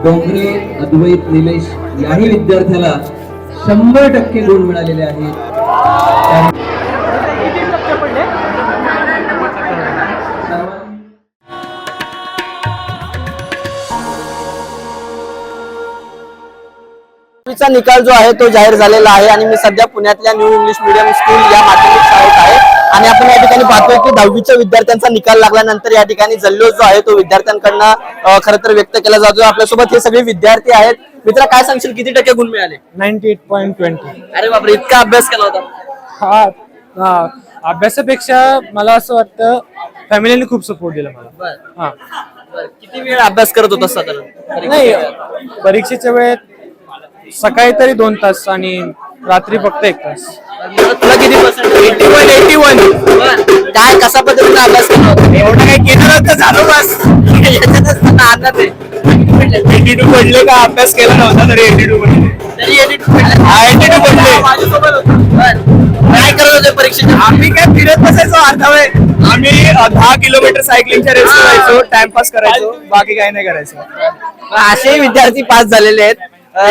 डोंगरे अद्वैत निलेश याही विद्यार्थ्याला 100% गुण मिळालेले आहेत. चा निकाल जो आहे तो जाहीर झालेला आहे आणि मी सध्या पुण्यातल्या न्यू इंग्लिश मीडियम स्कूल या माध्यमिक शाळेत आहे आणि आपण या ठिकाणी पाहतोय की 10वीच्या विद्यार्थ्यांचा निकाल लागल्यानंतर या ठिकाणी जल्लोष जो आहे तो विद्यार्थ्यांकडनं खरं तर व्यक्त केला जातो. आपल्यासोबत हे सगळे विद्यार्थी आहेत. मित्र, काय सांगशील, किती टक्के गुण मिळाले? 98.20. अरे बापरे, इतका अभ्यास केला होता? हा, अभ्यासापेक्षा मला असं वाटतं फॅमिलीने खूप सपोर्ट दिला मला. हा, किती वेळ अभ्यास करत होता साधारण? नाही, परीक्षेच्या वेळेत सकाळी तरी 2 तास आणि रात्री फक्त 1 तास. तुला किती पर्सेंट? 81. काय, कसा पद्धतीने अभ्यास केला होता? एवढं काही केलं नव्हतं, झालं बस. याच्यातच आनंद आहे. 82 पडले का? अभ्यास केला नव्हता तरी 82 पडले. तरी 82 पडले. 82 पडले. माझ्यासोबत होतं. काय करत होते परीक्षेच्या? आम्ही काय फिरत बसायचो अर्धा वेळ. आम्ही 10 किलोमीटर सायकलिंगच्या रेस करायचो, टाइमपास करायचो, बाकी काही नाही करायचो. असेही विद्यार्थी पास झालेले आहेत.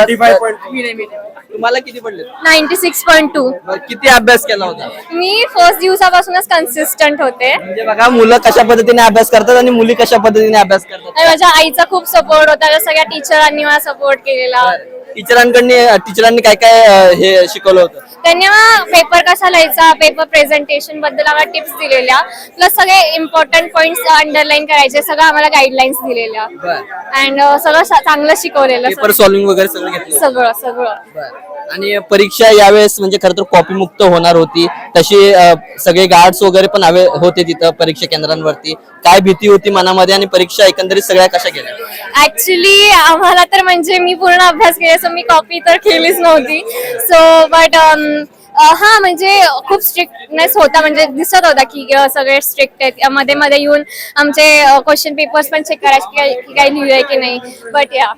85. तुम्हाला किती पडले? 96.2. किती अभ्यास केला होता? मी फर्स्ट दिवसापासूनच कन्सिस्टंट होते. म्हणजे बघा, मुलं कशा पद्धतीने अभ्यास करतात आणि मुली कशा पद्धतीने अभ्यास करतात. आणि माझ्या आईचा खूप सपोर्ट होता, सगळ्या टीचरांनी मला सपोर्ट केलेला. टीचरांनी काय काय हे शिकवलं होतं? त्यांनी मला पेपर कसा लिहायचा, पेपर प्रेझेंटेशन बद्दल आम्हाला टिप्स दिलेल्या, प्लस सगळे इम्पॉर्टंट पॉइंट्स अंडरलाईन करायचे, सगळं आम्हाला गाईडलाईन्स दिलेल्या. अँड सगळं चांगलं शिकवलेलं. पेपर सॉल्विंग वगैरे सगळं घेतलं? सगळं सगळं. आणि परीक्षा यावेळेस म्हणजे खरं तर कॉपी मुक्त होणार होती, तशी सगळे गार्ड्स वगैरे पण होते तिथं परीक्षा केंद्रांवरती. काय भीती होती मनामध्ये आणि परीक्षा एकंदरीत सगळ्या कशा गेल्या? ऍक्च्युली आम्हाला तर म्हणजे मी पूर्ण अभ्यास केला, सो मी कॉपी तर केलीच नव्हती. सो बट हा, म्हणजे खूप स्ट्रिक्टनेस होता, म्हणजे दिसत होता की सगळे स्ट्रिक्ट आहेत. मध्ये मध्ये येऊन आमचे क्वेश्चन पेपर्स पण चेक करायचे की काही लिहिलंय की नाही. बट या,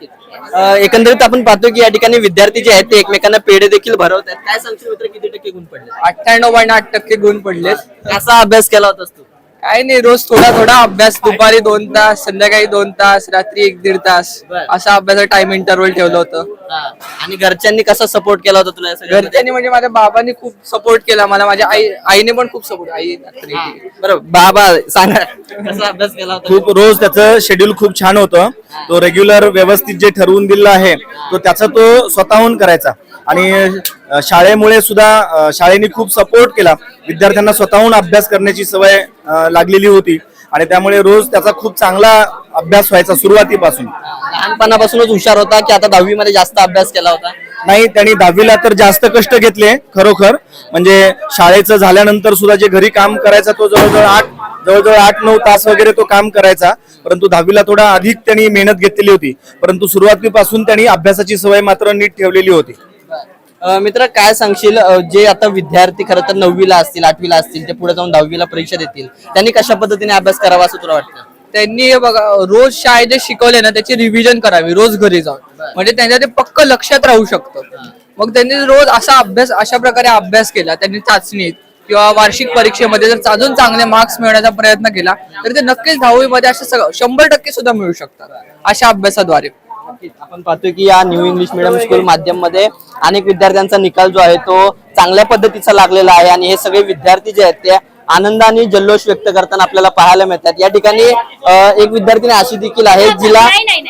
एकंदरीत आपण पाहतो की या ठिकाणी विद्यार्थी जे आहेत ते एकमेकांना पेढे देखील भरवतात. काय सांगशील मित्र, किती टक्के गुण पडले? 98.8% गुण पडलेत. कसा अभ्यास केला होतास तू? काय नाही, रोज थोडा थोडा अभ्यास. दुपारी 2 तास, संध्याकाळी 2 तास, रात्री 1-1.5 तास असा अभ्यासाचा टाइम इंटरव्हल ठेवलं होतं. आणि घरच्यांनी कसा सपोर्ट केला होता तुला? घरच्यांनी म्हणजे माझ्या बाबांनी खूप सपोर्ट केला मला, माझ्या आईने पण खूप सपोर्ट. बरोबर, बाबा सांगा, कसा अभ्यास केला होता? खूप. रोज त्याचं शेड्यूल खूप छान होतं. तो रेग्युलर व्यवस्थित जे ठरवून दिलं आहे तो त्याचा तो स्वतःहून करायचा आणि शाळेमुळे सुद्धा शाळेने खूप सपोर्ट केला. विद्यार्थ्यांना स्वतःहून अभ्यास करण्याची सवय लागलेली होती आणि त्यामुळे रोज त्याचा खूप चांगला अभ्यास व्हायचा सुरुवातीपासून. लहानपणापासूनच हुशार होता की आता 10वी मध्ये जास्त अभ्यास केला होता? नाही, त्यांनी 10वीला तर जास्त कष्ट घेतले खरोखर. म्हणजे शाळेचं झाल्यानंतर सुद्धा जे घरी काम करायचा तो जवळजवळ 8-9 तास वगैरे तो काम करायचा. परंतु 10वीला थोडा अधिक त्यांनी मेहनत घेतलेली होती. परंतु सुरुवातीपासून त्यांनी अभ्यासाची सवय मात्र नीट ठेवलेली होती. मित्र, काय सांगशील, जे आता विद्यार्थी खरं तर 9वीला असतील, 8वीला असतील, ते पुढे जाऊन 10वीला परीक्षा देतील, त्यांनी कशा पद्धतीने अभ्यास करावा असं तुला वाटतं? त्यांनी बघा, रोज शाळेत जे शिकवले ना त्याची रिव्हिजन करावी रोज घरी जाऊन, म्हणजे त्यांच्या ते पक्क लक्षात राहू शकतं. मग त्यांनी रोज असा अभ्यास, अशा प्रकारे अभ्यास केला, त्यांनी चाचणीत किंवा वार्षिक परीक्षेमध्ये जर अजून चांगले मार्क्स मिळवण्याचा प्रयत्न केला तर ते नक्कीच 10वी मध्ये असं 100% सुद्धा मिळू शकतात अशा अभ्यासाद्वारे. आपण पाहतोय की या न्यू इंग्लिश मिडियम स्कूल माध्यम मध्ये अनेक विद्यार्थ्यांचा निकाल जो आहे तो चांगल्या पद्धतीचा लागलेला आहे आणि हे सगळे विद्यार्थी जे आहेत ते आनंदाने जल्लोष व्यक्त करताना आपल्याला पाहायला मिळतात. या ठिकाणी एक विद्यार्थिनी अशी देखील आहे जिला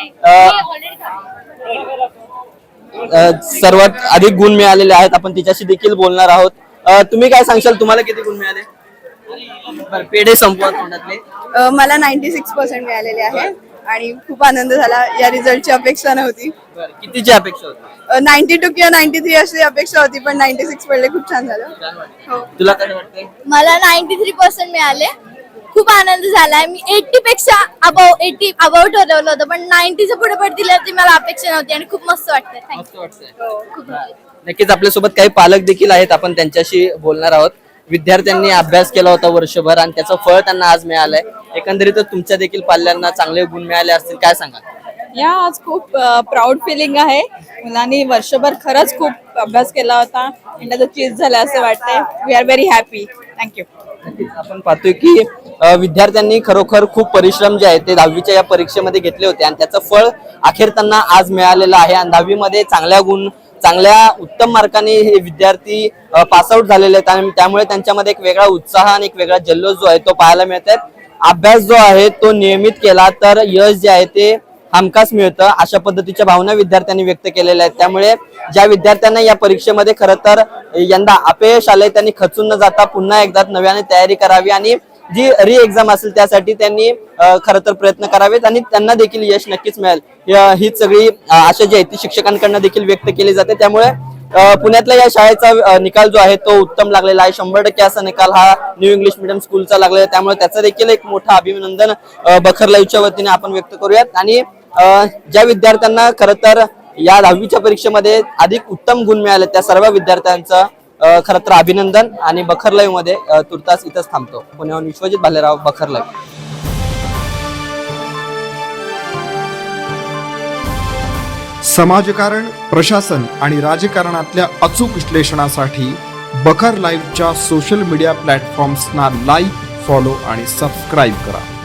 सर्वात अधिक गुण मिळालेले आहेत. आपण तिच्याशी देखील बोलणार आहोत. तुम्ही काय सांगशाल, तुम्हाला किती गुण मिळाले? पेढे संपवा तोंडातले. मला 96% मिळालेले आहे आणि खूप आनंद झाला. या रिझल्टची अपेक्षा नव्हती. कितीची अपेक्षा होती? 92 किंवा 93 अशी अपेक्षा होती, पण 96 पडले. खूप छान झालं. हो. तुला काय वाटतंय? मला 93% मिळाले. खूप आनंद झालाय. मी 80 पेक्षा अबाव ठरवलं होतं, पण 90च्या पुढे पडतील ती मला अपेक्षा नव्हती आणि खूप मस्त वाटतंय. मस्त वाटतंय. नक्कीच आपल्यासोबत काही पालक देखील आहेत, आपण त्यांच्याशी बोलणार आहोत. विद्यार्थ्यांनी अभ्यास केला होता वर्षभर आणि त्याचं फळ त्यांना आज मिळालंय. एकंदरीतच तुमच्या देखील पाल्यांना चांगले गुण मिळाले असतील, काय सांगा? या आज खूप प्राऊड फिलिंग आहे. मुलांनी वर्षभर खरंच खूप अभ्यास केला होता आणि त्याचं चीज झालं असं वाटतंय. We are very happy. Thank you. आपण पाहतोय की विद्यार्थ्यांनी खरोखर खूप परिश्रम जे आहे ते 10वीच्या या परीक्षेमध्ये घेतले होते आणि त्याचं फळ अखेर त्यांना आज मिळालेलं आहे. आणि 10वीमध्ये चांगल्या उत्तम मार्काने हे विद्यार्थी पासआउट झालेले आहेत आणि त्यामुळे त्यांच्यामध्ये एक वेगळा उत्साह आणि एक वेगळा जल्लोष जो आहे तो पाहायला मिळत आहे. अभ्यास जो आहे तो नियमित केला तर यश जे आहे ते हमखास मिळतं, अशा पद्धतीच्या भावना विद्यार्थ्यांनी व्यक्त केलेल्या आहेत. त्यामुळे ज्या विद्यार्थ्यांना या परीक्षेमध्ये खरं तर यंदा अपयश आलंय त्यांनी खचून न जाता पुन्हा एकदा नव्याने तयारी करावी आणि जी री एक्झाम असेल त्यासाठी त्यांनी खरं तर प्रयत्न करावेत आणि त्यांना देखील यश नक्कीच मिळेल. हीच सगळी आशा जी आहे ती शिक्षकांकडनं देखील व्यक्त केली जाते. त्यामुळे पुण्यातल्या या शाळेचा निकाल जो आहे तो उत्तम लागलेला आहे. 100% असा निकाल हा न्यू इंग्लिश मिडियम स्कूलचा लागलेला आहे. त्यामुळे त्याचं देखील एक मोठं अभिनंदन बखर लाईव्हच्या वतीने आपण व्यक्त करूयात. आणि ज्या विद्यार्थ्यांना खरं तर या 10वीच्या परीक्षेमध्ये अधिक उत्तम गुण मिळाले त्या सर्व विद्यार्थ्यांचं खरं तर अभिनंदन. आणि बखर लाईव्ह मध्ये तुर्तास इथंच थांबतो. पुण्याहून विश्वजित भालेराव, बखर लाईव्ह. समाजकारण, प्रशासन आणि राजकारणातल्या अचूक विश्लेषणासाठी बखर लाईव्हच्या सोशल मीडिया प्लॅटफॉर्म्सना लाईक, फॉलो आणि सबस्क्राईब करा.